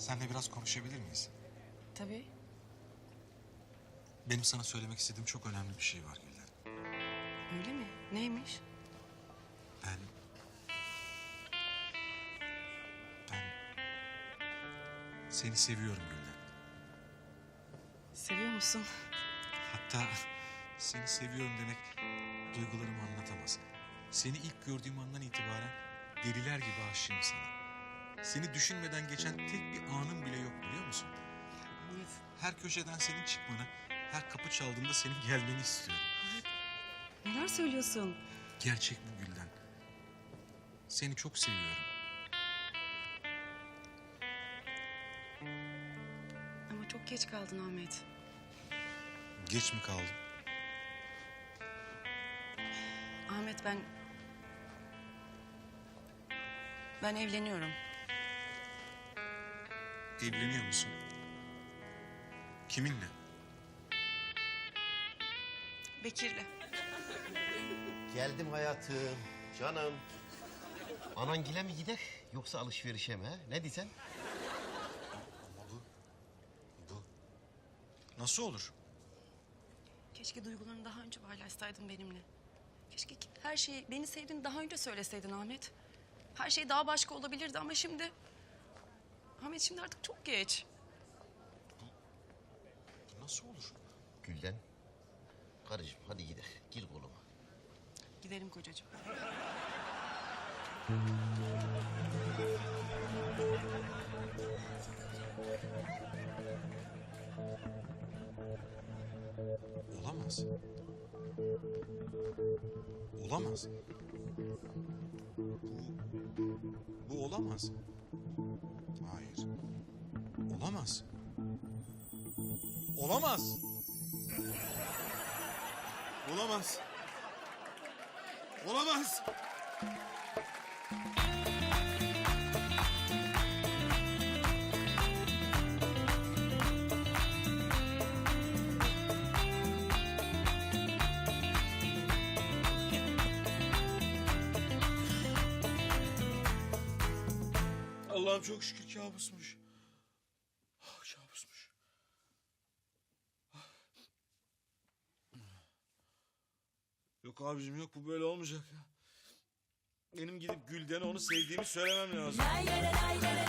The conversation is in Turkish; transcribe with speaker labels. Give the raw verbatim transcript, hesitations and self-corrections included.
Speaker 1: Seninle biraz konuşabilir miyiz?
Speaker 2: Tabii.
Speaker 1: Benim sana söylemek istediğim çok önemli bir şey var Gülden.
Speaker 2: Öyle mi? Neymiş?
Speaker 1: Ben... Ben... Seni seviyorum Gülden.
Speaker 2: Seviyor musun?
Speaker 1: Hatta seni seviyorum demek duygularımı anlatamaz. Seni ilk gördüğüm andan itibaren deliler gibi aşığım sana. Seni düşünmeden geçen tek bir anım bile yok biliyor musun?
Speaker 2: Ahmet.
Speaker 1: Her köşeden senin çıkmanı, her kapı çaldığında senin gelmeni istiyorum.
Speaker 2: Neler söylüyorsun?
Speaker 1: Gerçek bu Gülden. Seni çok seviyorum.
Speaker 2: Ama çok geç kaldın Ahmet.
Speaker 1: Geç mi kaldım?
Speaker 2: Ahmet ben... Ben evleniyorum.
Speaker 1: Evleniyor musun? Kiminle?
Speaker 2: Bekir'le.
Speaker 3: Geldim hayatım, canım. Anangile mi gider yoksa alışverişe mi? He? Ne diyeceksin?
Speaker 1: Ama bu... Bu... Nasıl olur?
Speaker 2: Keşke duygularını daha önce paylaşsaydın benimle. Keşke her şeyi, beni sevdiğini daha önce söyleseydin Ahmet. Her şey daha başka olabilirdi ama şimdi... Ahmet şimdi artık çok geç.
Speaker 1: Bu nasıl olur?
Speaker 3: Gülden, karıcığım hadi gidelim. Gir koluma.
Speaker 2: Gidelim kocacığım.
Speaker 1: Olamaz. Olamaz. Bu... Bu olamaz. Hayır. Olamaz. Olamaz. Olamaz. Olamaz. Allah'ım çok şükür kabusmuş. Ah, kabusmuş. Yok abicim yok bu böyle olmayacak ya. Benim gidip Gülden'e onu sevdiğimi söylemem lazım.